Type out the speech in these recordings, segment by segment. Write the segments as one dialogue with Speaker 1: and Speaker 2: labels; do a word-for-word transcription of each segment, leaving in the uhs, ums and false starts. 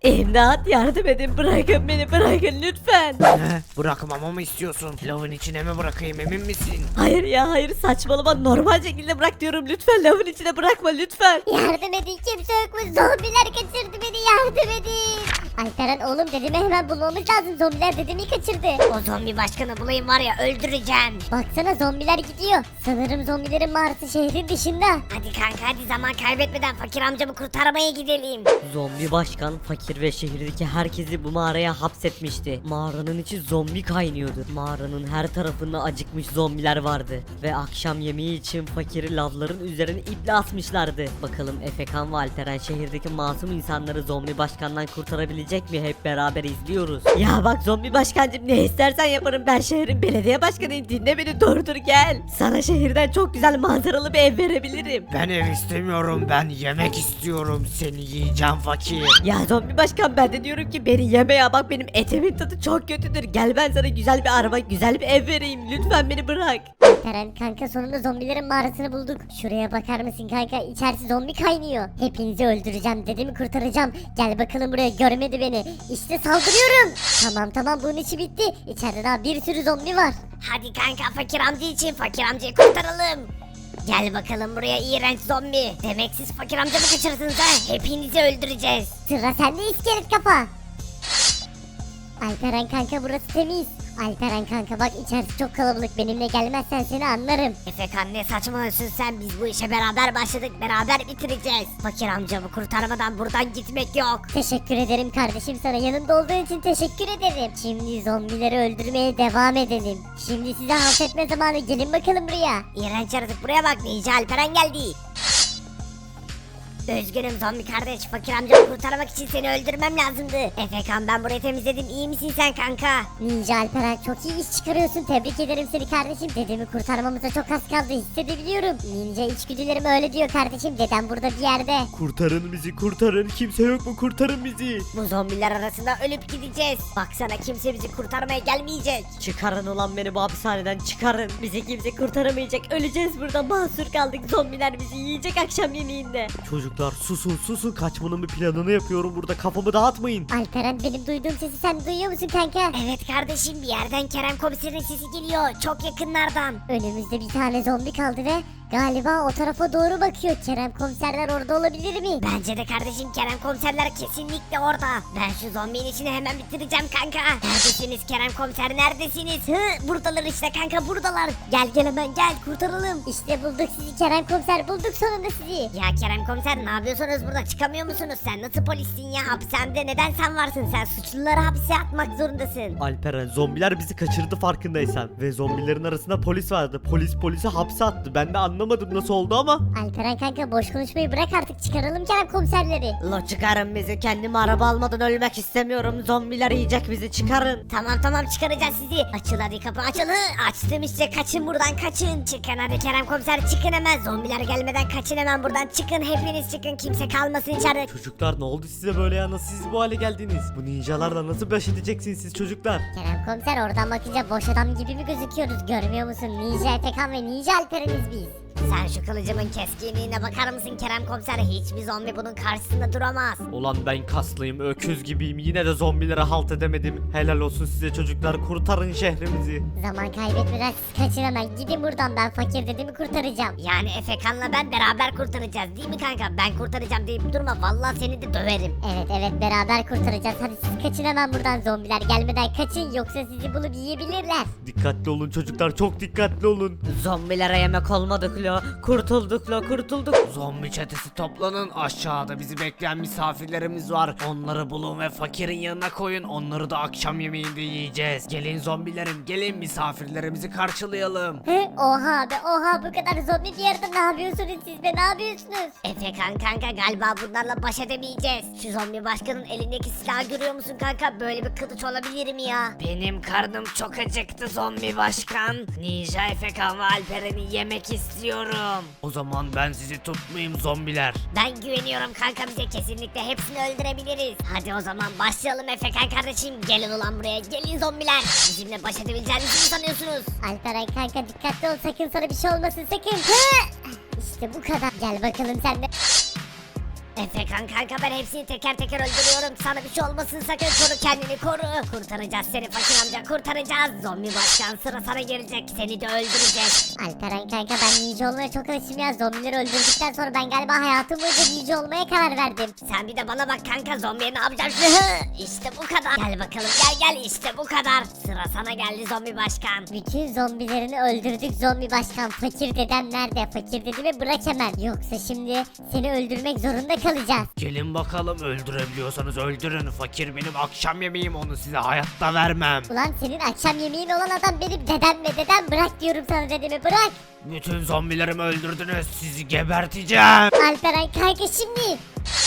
Speaker 1: İmdat, yardım edin, bırakın beni, bırakın lütfen.
Speaker 2: Ne? Bırakmamı mı istiyorsun? Lavın içine mi bırakayım, emin misin?
Speaker 1: Hayır ya, hayır, saçmalama, normal şekilde bırak diyorum, lütfen lavın içine bırakma lütfen.
Speaker 3: Yardım edin, kimse yok mu? Zombiler kaçırdı beni, yardım edin. Alperen oğlum, dedemi hemen bulmamız lazım. Zombiler dedemi kaçırdı.
Speaker 4: O zombi başkanı bulayım var ya, öldüreceğim.
Speaker 3: Baksana, zombiler gidiyor. Sanırım zombilerin mağarası şehrin dışında.
Speaker 4: Hadi kanka, hadi zaman kaybetmeden fakir amcamı kurtarmaya gidelim.
Speaker 1: Zombi başkan fakir ve şehirdeki herkesi bu mağaraya hapsetmişti. Mağaranın içi zombi kaynıyordu. Mağaranın her tarafında acıkmış zombiler vardı. Ve akşam yemeği için fakiri lavların üzerine iple asmışlardı. Bakalım Efekan ve Alperen şehirdeki masum insanları zombi başkandan kurtarabilecek mi? Hep beraber izliyoruz. Ya bak zombi başkancım, ne istersen yaparım, ben şehrin belediye başkanıyım, dinle beni, durdur gel. Sana şehirden çok güzel manzaralı bir ev verebilirim.
Speaker 2: Ben ev istemiyorum, ben yemek istiyorum. Seni yiyeceğim fakir.
Speaker 1: Ya zombi başkan, ben de diyorum ki beni yeme ya, bak benim etimin tadı çok kötüdür. Gel ben sana güzel bir araba, güzel bir ev vereyim, lütfen beni bırak.
Speaker 3: Alperen kanka, sonunda zombilerin mağarasını bulduk. Şuraya bakar mısın kanka, içerisi zombi kaynıyor. Hepinizi öldüreceğim, dedemi kurtaracağım. Gel bakalım buraya, görmedi beni. İşte saldırıyorum. Tamam tamam, bunun işi bitti. İçeride daha bir sürü zombi var.
Speaker 4: Hadi kanka, fakir amca için fakir amcayı kurtaralım. Gel bakalım buraya iğrenç zombi. Demek siz fakir amcamı kaçırdınız ha? Hepinizi öldüreceğiz.
Speaker 3: Sıra sende iskelet kafa. Alperen kanka, burası temiz. Alperen kanka bak, içerisi çok kalabalık, benimle gelmezsen seni anlarım.
Speaker 4: Efekan, ne saçmalıyorsun sen? Biz bu işe beraber başladık, beraber bitireceğiz. Fakir amcamı kurtarmadan buradan gitmek yok.
Speaker 3: Teşekkür ederim kardeşim, sana yanımda olduğun için teşekkür ederim. Şimdi zombileri öldürmeye devam edelim. Şimdi size halt etme zamanı, gelin bakalım buraya.
Speaker 4: İğrenç yaratık, buraya bak, Ninja Alperen geldi. Üzgünüm zombi kardeş, fakir amcamı kurtarmak için seni öldürmem lazımdı. Efekan, ben burayı temizledim, iyi misin sen kanka?
Speaker 3: Ninja Alperen, çok iyi iş çıkarıyorsun, tebrik ederim seni kardeşim. Dedemi kurtarmamıza çok az kaldı, hissedebiliyorum. Ninja içgüdülerim öyle diyor kardeşim, dedem burada bir yerde.
Speaker 2: Kurtarın bizi, kurtarın. Kimse yok mu? Kurtarın bizi.
Speaker 4: Bu zombiler arasında ölüp gideceğiz. Baksana, kimse bizi kurtarmaya gelmeyecek.
Speaker 1: Çıkarın ulan beni bu hapishaneden, çıkarın. Bizi kimse kurtaramayacak, öleceğiz burada, mahsur kaldık, zombiler bizi yiyecek akşam yemeğinde.
Speaker 2: Çocuklar susun susun, kaçmanın bir planını yapıyorum burada, kafamı dağıtmayın.
Speaker 3: Alperen, benim duyduğum sesi sen duyuyor musun kanka?
Speaker 4: Evet kardeşim, bir yerden Kerem komiserin sesi geliyor. Çok yakınlardan.
Speaker 3: Önümüzde bir tane zombi kaldı ve galiba o tarafa doğru bakıyor. Kerem komiserler orada olabilir mi?
Speaker 4: Bence de kardeşim, Kerem komiserler kesinlikle orada. Ben şu zombinin işini hemen bitireceğim kanka. Neredesiniz Kerem komiser, neredesiniz? Hı, buradalar işte kanka, buradalar. Gel gel, hemen gel, kurtaralım.
Speaker 3: İşte bulduk sizi Kerem komiser, bulduk sonunda sizi.
Speaker 4: Ya Kerem komiser, ne yapıyorsunuz burada, çıkamıyor musunuz? Sen nasıl polissin ya, hapishanede neden sen varsın? Sen suçluları hapse atmak zorundasın.
Speaker 2: Alperen, zombiler bizi kaçırdı farkındaysan. Ve zombilerin arasında polis vardı. Polis polisi hapse attı. Ben de anlamadım nasıl oldu ama.
Speaker 3: Alperen kanka, boş konuşmayı bırak artık, çıkaralım Kerem komiserleri.
Speaker 1: La çıkarın bizi, kendime araba almadan ölmek istemiyorum, zombiler yiyecek bizi, çıkarın.
Speaker 4: Tamam tamam, çıkaracağız sizi. Açıl hadi, kapı açıl. Hı, açtım işte, kaçın buradan, kaçın. Çıkın hadi Kerem komiser, çıkın hemen. Zombiler gelmeden kaçın hemen buradan, çıkın hepiniz çıkın, kimse kalmasın içeride.
Speaker 2: Çocuklar, ne oldu size böyle ya? Nasıl siz bu hale geldiniz? Bu ninjalarla nasıl baş edeceksiniz siz çocuklar?
Speaker 3: Kerem komiser, oradan bakınca boş adam gibi mi gözüküyoruz, görmüyor musun? Ninja Efekan ve Ninja Alperen'iz biz.
Speaker 4: Sen şu kılıcımın keskinliğine bakar mısın Kerem komiser? Hiçbir zombi bunun karşısında duramaz.
Speaker 2: Ulan ben kaslıyım, öküz gibiyim. Yine de zombilere halt edemedim. Helal olsun size çocuklar, kurtarın şehrimizi.
Speaker 3: Zaman kaybetmeden siz kaçın hemen, gidin buradan, ben fakir dedemi kurtaracağım.
Speaker 4: Yani Efekan'la ben beraber kurtaracağız değil mi kanka? Ben kurtaracağım deyip durma, vallahi seni de döverim.
Speaker 3: Evet evet, beraber kurtaracağız, hadi siz kaçın hemen buradan, zombiler gelmeden kaçın, yoksa sizi bulup yiyebilirler.
Speaker 2: Dikkatli olun çocuklar, çok dikkatli olun.
Speaker 1: Zombilere yemek olmadık lo, kurtulduk lo, kurtulduk.
Speaker 2: Zombi çetesi toplanın, aşağıda bizi bekleyen misafirlerimiz var. Onları bulun ve fakirin yanına koyun, onları da akşam yemeğinde yiyeceğiz. Gelin zombilerim, gelin misafirlerimizi karşılayalım.
Speaker 3: He, oha be oha, bu kadar zombi bir yerde ne yapıyorsunuz siz be, ne yapıyorsunuz?
Speaker 4: Efekan kanka, galiba bunlarla baş edemeyeceğiz. Şu zombi başkanın elindeki silahı görüyor musun kanka? Böyle bir kılıç olabilir mi ya? Benim karnım çok acıktı zombi başkan. Ninja Efekan ve Alperen'i yemek istiyorum.
Speaker 2: O zaman ben sizi tutmayayım zombiler.
Speaker 4: Ben güveniyorum kanka, bize kesinlikle hepsini öldürebiliriz. Hadi o zaman başlayalım Efekan kardeşim. Gelin ulan buraya, gelin zombiler. Bizimle baş edebileceğinizi mi sanıyorsunuz?
Speaker 3: Alperen kanka, dikkatli ol, sakın sana bir şey olmasın, sakın. Hı! İşte bu kadar, gel bakalım sen de.
Speaker 4: Efekan kanka ben hepsini teker teker öldürüyorum. Sana bir şey olmasın sakın, koru kendini koru. Kurtaracağız seni fakir amca, kurtaracağız. Zombi başkan sıra sana gelecek, seni de öldürecek.
Speaker 3: Alperen kanka ben ninja olmaya çok alışım ya. Zombileri öldürdükten sonra ben galiba hayatım boyunca ninja olmaya karar verdim.
Speaker 4: Sen bir de bana bak kanka, zombiye ne yapacaksın? İşte bu kadar. Gel bakalım gel gel, işte bu kadar. Sıra sana geldi zombi başkan.
Speaker 3: Bütün zombilerini öldürdük zombi başkan. Fakir dedem nerede? Fakir dedemi bırak hemen. Yoksa şimdi seni öldürmek zorunda kalacağız.
Speaker 2: Gelin bakalım, öldürebiliyorsanız öldürün. Fakir benim akşam yemeğim, onu size hayatta vermem.
Speaker 3: Ulan senin akşam yemeğin olan adam benim dedem ve dedem, bırak diyorum sana dedemi, bırak.
Speaker 2: Bütün zombilerimi öldürdünüz, sizi geberteceğim.
Speaker 3: Alperen kanka şimdi.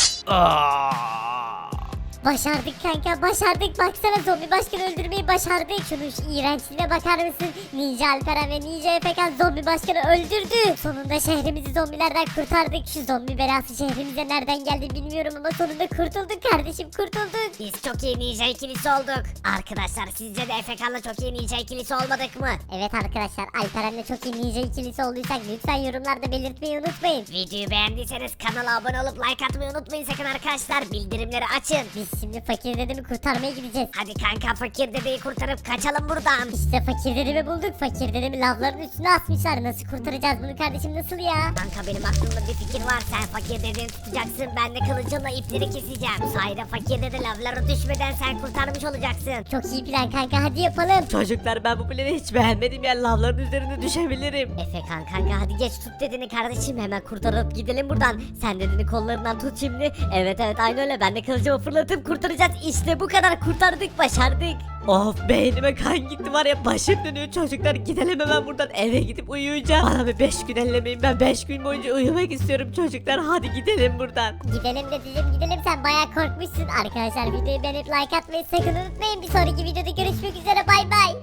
Speaker 2: Aa!
Speaker 3: Başardık kanka, başardık. Baksana zombi başkanı öldürmeyi başardık. Şunun şu iğrençliğine bakar mısın? Ninja Alperen ve Ninja Efekan zombi başkanı öldürdü. Sonunda şehrimizi zombilerden kurtardık. Şu zombi belası şehrimize nereden geldi bilmiyorum ama sonunda kurtulduk kardeşim, kurtulduk.
Speaker 4: Biz çok iyi ninja ikilisi olduk. Arkadaşlar sizce de Efekan'la çok iyi ninja ikilisi olmadık mı?
Speaker 3: Evet arkadaşlar, Alperen'le çok iyi ninja ikilisi olduysak lütfen yorumlarda belirtmeyi unutmayın.
Speaker 4: Videoyu beğendiyseniz kanala abone olup like atmayı unutmayın sakın arkadaşlar. Bildirimleri açın.
Speaker 3: Biz şimdi fakir dedemi kurtarmaya gideceğiz.
Speaker 4: Hadi kanka fakir dedeyi kurtarıp kaçalım buradan.
Speaker 3: İşte fakir dedemi bulduk. Fakir dedemi lavların üstüne asmışlar. Nasıl kurtaracağız bunu kardeşim, nasıl ya?
Speaker 4: Kanka benim aklımda bir fikir var. Sen fakir dedeni tutacaksın. Ben de kılıcımla ipleri keseceğim. Bu sayede fakir dede lavlara düşmeden sen kurtarmış olacaksın.
Speaker 3: Çok iyi plan kanka, hadi yapalım.
Speaker 1: Çocuklar ben bu planı hiç beğenmedim ya, lavların üzerine düşebilirim.
Speaker 4: Efekan kanka hadi geç tut dedeni kardeşim. Hemen kurtarıp gidelim buradan. Sen dedeni kollarından tut şimdi. Evet evet aynı öyle. Ben de kılıcımı fırlatıp kurtaracağız. İşte bu kadar, kurtardık, başardık.
Speaker 1: Of beynime kan gitti var ya, başım dönüyor çocuklar, gidelim hemen buradan, eve gidip uyuyacağım. Bana bir beş gün ellemeyin, ben beş gün boyunca uyumak istiyorum çocuklar, hadi gidelim buradan.
Speaker 3: Gidelim dedeciğim gidelim, sen bayağı korkmuşsun. Arkadaşlar videoyu beğenip like atmayı sakın unutmayın. Bir sonraki videoda görüşmek üzere, bay bay.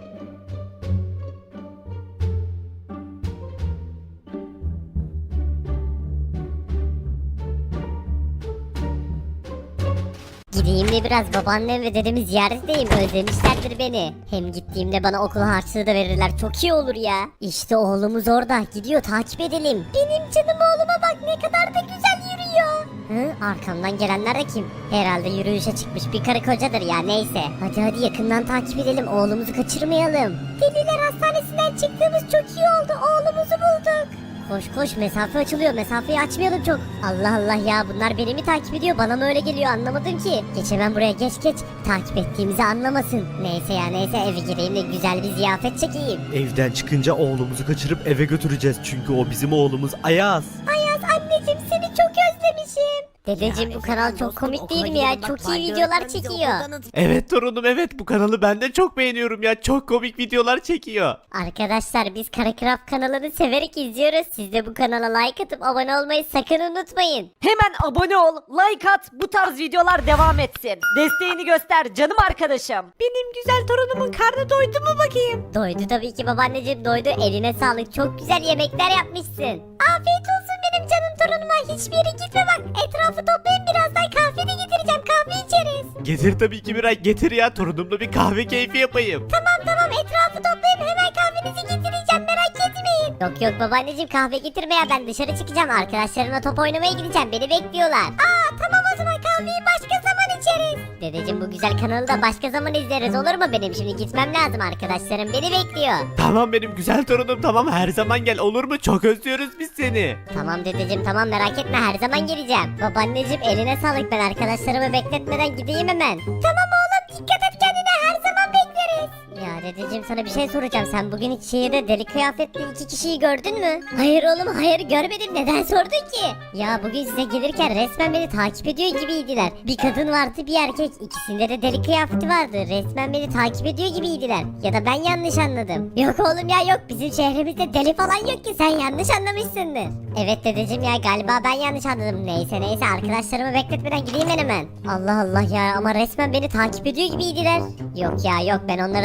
Speaker 3: Gideyim de biraz babaannem ve dedemi ziyaret edeyim, özlemişlerdir beni. Hem gittiğimde bana okul harçlığı da verirler, çok iyi olur ya. İşte oğlumuz orada, gidiyor, takip edelim. Benim canım oğluma bak, ne kadar da güzel yürüyor. Hı, arkamdan gelenler de kim? Herhalde yürüyüşe çıkmış bir karı kocadır ya, neyse. Hadi hadi yakından takip edelim, oğlumuzu kaçırmayalım. Deliler hastanesinden çıktığımız çok iyi oldu, oğlumuzu bulduk. Koş koş, mesafe açılıyor, mesafeyi açmayalım çok. Allah Allah ya, bunlar beni mi takip ediyor, bana mı öyle geliyor anlamadım ki. Geç hemen buraya, geç geç, takip ettiğimizi anlamasın. Neyse ya neyse, eve gireyim de güzel bir ziyafet çekeyim.
Speaker 5: Evden çıkınca oğlumuzu kaçırıp eve götüreceğiz çünkü o bizim oğlumuz Ayaz.
Speaker 3: Ayaz anneciğim, seni çok özlemişim. Dedeciğim bu kanal çok komik değil mi ya, çok iyi videolar çekiyor.
Speaker 5: Evet torunum, evet, bu kanalı ben de çok beğeniyorum ya, çok komik videolar çekiyor.
Speaker 3: Arkadaşlar biz Karakрафт kanalını severek izliyoruz. Siz de bu kanala like atıp abone olmayı sakın unutmayın.
Speaker 1: Hemen abone ol, like at, bu tarz videolar devam etsin. Desteğini göster canım arkadaşım. Benim güzel torunumun karnı doydu mu bakayım?
Speaker 3: Doydu tabii ki babaanneciğim, doydu. Eline sağlık, çok güzel yemekler yapmışsın. Afiyet olsun benim canım torunuma, hiçbir yere gitme bak. Etrafı toplayın, birazdan kahveni getireceğim, kahve içeriz.
Speaker 5: Getir tabii ki Miray, getir ya, torunumla bir kahve keyfi yapayım.
Speaker 3: Tamam tamam, etrafı toplayın, hemen kahvenizi getireceğim, merak etmeyin. Yok yok babaanneciğim, kahve getirme ya, ben dışarı çıkacağım, arkadaşlarımla top oynamaya gideceğim, beni bekliyorlar. Aa tamam, o zaman kahveyi başka zaman içeriz. Dedeciğim bu güzel kanalı da başka zaman izleriz, olur mu? Benim şimdi gitmem lazım, arkadaşlarım beni bekliyor.
Speaker 5: Tamam benim güzel torunum, tamam, her zaman gel, olur mu? Çok özlüyoruz biz seni.
Speaker 3: Tamam dedeciğim tamam, merak etme, her zaman geleceğim. Babaanneciğim eline sağlık, ben arkadaşlarımı bekletmeden gideyim hemen. Tamam oğlum, dikkat et kendine, her zaman bekleriz. Ya dedeciğim sana bir şey soracağım, sen bugün hiç şehirde deli kıyafetli iki kişiyi gördün mü? Hayır oğlum hayır, görmedim, neden sordun ki? Ya bugün size gelirken resmen beni takip ediyor gibiydiler. Bir kadın vardı bir erkek, ikisinde de deli kıyafeti vardı, resmen beni takip ediyor gibiydiler. Ya da ben yanlış anladım. Yok oğlum ya yok, bizim şehrimizde deli falan yok ki, sen yanlış anlamışsındır. Evet dedeciğim ya, galiba ben yanlış anladım. Neyse neyse, arkadaşlarımı bekletmeden gideyim ben hemen. Allah Allah ya, ama resmen beni takip ediyor gibiydiler. Yok ya yok, ben onları tanımam etmem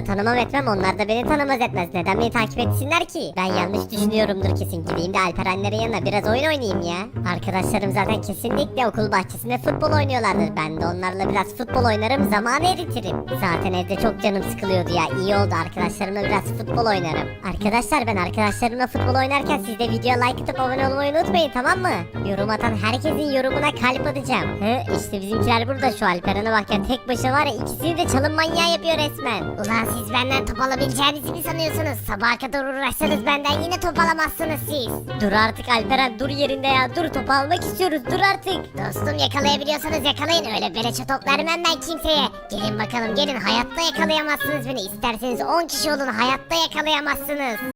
Speaker 3: etmem, onlar da beni tanımaz etmez. Neden beni takip etsinler ki? Ben yanlış düşünüyorumdur kesin. Gideyim de Alperenlerin yanına biraz oyun oynayayım ya. Arkadaşlarım zaten kesinlikle okul bahçesinde futbol oynuyorlardır. Ben de onlarla biraz futbol oynarım, zamanı eritirim. Zaten evde çok canım sıkılıyordu ya. İyi oldu, arkadaşlarımla biraz futbol oynarım. Arkadaşlar ben arkadaşlarımla futbol oynarken siz de videoya like atıp abone olmayı unutmayın, tamam mı? Yorum atan herkesin yorumuna kalp atacağım. Hı, işte bizimkiler burada. Şu Alperen'e bak ya, tek başına var ya, ikisini de çalım manyağı yapıyor resmen.
Speaker 4: Ulan siz benden top alabileceğinizi mi sanıyorsunuz? Sabaha kadar uğraşsanız benden yine top alamazsınız siz.
Speaker 3: Dur artık Alperen, dur yerinde ya. Dur, topu almak istiyoruz, dur artık.
Speaker 4: Dostum yakalayabiliyorsanız yakalayın, öyle beleşe top vermem ben kimseye. Gelin bakalım gelin, hayatta yakalayamazsınız beni. İsterseniz on kişi olun, hayatta yakalayamazsınız.